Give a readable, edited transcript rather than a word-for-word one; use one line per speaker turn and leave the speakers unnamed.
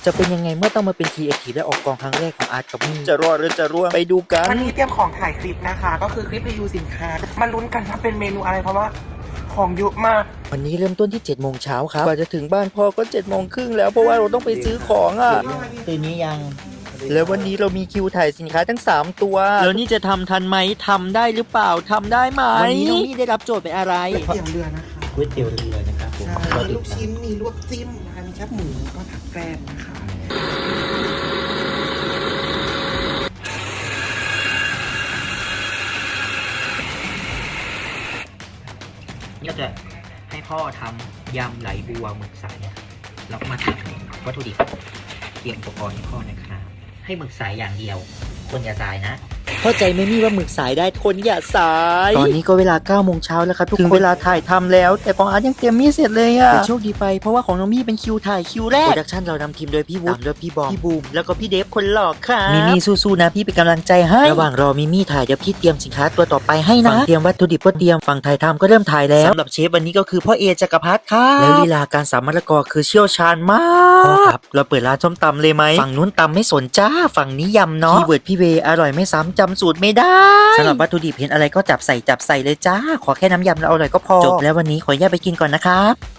จะเป็นยังไงเมื่อต้องมาเป็นครีเอทีฟและออกกองครั้งแรกของอาร์ตกับมี่จะรอดหรือจะร่วงไปดูกัน
วันนี้เตรียมของถ่ายคลิปนะคะก็คือคลิปรีวิวสินค้ามาลุ้นกันว่าเป็นเมนูอะไรเพราะว่าของเยอะมาก
วันนี้เริ่มต้นที่7 โมงเช้าครับกว่าจะถึงบ้านพ่อก็7 โมงครึ่งแล้วเพราะว่าเราต้องไปซื้อของอ่ะ
ตื่นนี้ยัง
แล้ววันนี้เรามีคิวถ่ายสินค้าทั้ง3ตัวแล้วนี่จะทำทันไหมทำได้หรือเปล่าทำได้ไหมวันนี้น้องมี่ได้รับโจทย์เป็นอะไร
ก๋วยเตี๋ยวเรือนะคะ
ก๋วยเตี๋ยวเรือนะครับผม
ใช่ลูกชิ้นมีลวกจิ้มนะคะมีแคบหมูก็ผักแกล้มนะคะ
นี่เราจะให้พ่อทำยำไหลบัวหมึกสายแล้วก็มาทำวัตถุดิบเตรียมอุปกรณ์ให้พ่อนะครับให้หมึกสายอย่างเดียวคนอย่าสายนะ
เข้าใจไหมมี่ว่าหมึกสายได้คนอย่าสายตอนนี้ก็เวลา9 โมงเช้าแล้วครับทุกคนถึงเวลาถ่ายทำแล้วแต่ของอาร์ตยังเตรียมมี่เสร็จเลยอ่ะแต่โชคดีไปเพราะว่าของน้องมี่เป็นคิวถ่ายคิวแรกโปรดักชั่นเรานำทีมโดยพี่วุฒิด้วยพี่บอมพี่บูมแล้วก็พี่เดฟคนหล่อค่ะมิมี่สู้ๆนะพี่เป็นกำลังใจให้ระหว่างรอมิมี่ถ่ายเดี๋ยวพี่เตรียมสินค้าตัวต่อไปให้นะเตรียมวัตถุดิบก็เตรียมฝั่งถ่ายทำก็เริ่มถ่ายแล้วสำหรับเชฟวันนี้ก็คือพ่อเอจักรพัฒน์ค่ะแล้วลีลาการสับมะละกอคือเชี่ยวชาญมากพ่อครับเราเปิดร้านส้มตำเลยไหมฝั่งนู้นตำไม่สนจ้าฝั่งนี้ยำเนาะคีย์เวิร์ดพี่เวอร่อยไม่ซ้ำจำสูตรไม่ได้สำหรับวัตถุดิบเห็นอะไรก็จับใส่เลยจ้าขอแค่น้ำยำแล้วอร่อยก็พอจบแล้ววันนี้ขออนุญาตไปกินก่อนนะครับ